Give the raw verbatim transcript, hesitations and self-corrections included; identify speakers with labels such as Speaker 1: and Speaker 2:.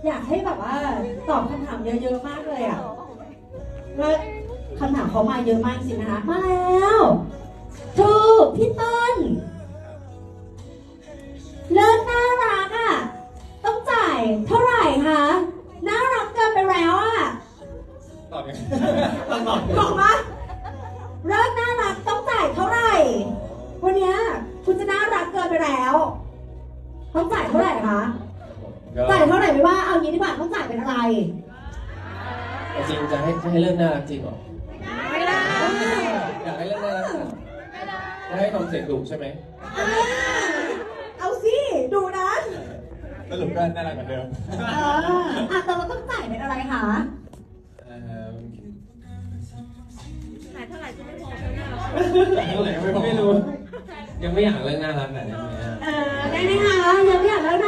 Speaker 1: อยากให้แบบว่าตอบคำถามเยอะๆมากเลยอ่ะว่าคำถามเขามาเยอะมากสินะคะมาแล้วถูกพี่ต้นเลิศน่ารักอ่ะต้องจ่ายเท่าไหร่คะน่ารักเกินไปแล้วอ่ะ
Speaker 2: ตอบยังต้องตอบ
Speaker 1: บอกมาเลิศน่ารักต้องจ่ายเท่าไหร่วันนี้คุณจะน่ารักเกินไปแล้วต้องจ่ายเท่าไหร่คะจ่ายเท่าไหร่ไม่ว่าเอางี้ดีกว่าต้องจ่ายเป็นอะไร
Speaker 2: จริงจะให้จะให้เรื่องน่ารักจริงเหรอ
Speaker 1: ไม่ได้
Speaker 2: อยากให้เรื่องน่ารักจะให้ทำเสียงดุใช่ไหม
Speaker 1: เอาสิดูนะ
Speaker 2: สรุปก็น่ารักเหมือนเดิม
Speaker 1: เอออ่ะแต่เราต้องจ่ายเป็นอะไรคะ
Speaker 3: ขายเท่าไหร่ก็ไม่พอเท่านั้น
Speaker 2: เท่าไหร่ก็ไม่รู้ยังไม่อยากเรื่องน่ารักแบบนี้เลย
Speaker 1: เออได้ไหมคะยังไม่อยากเล่า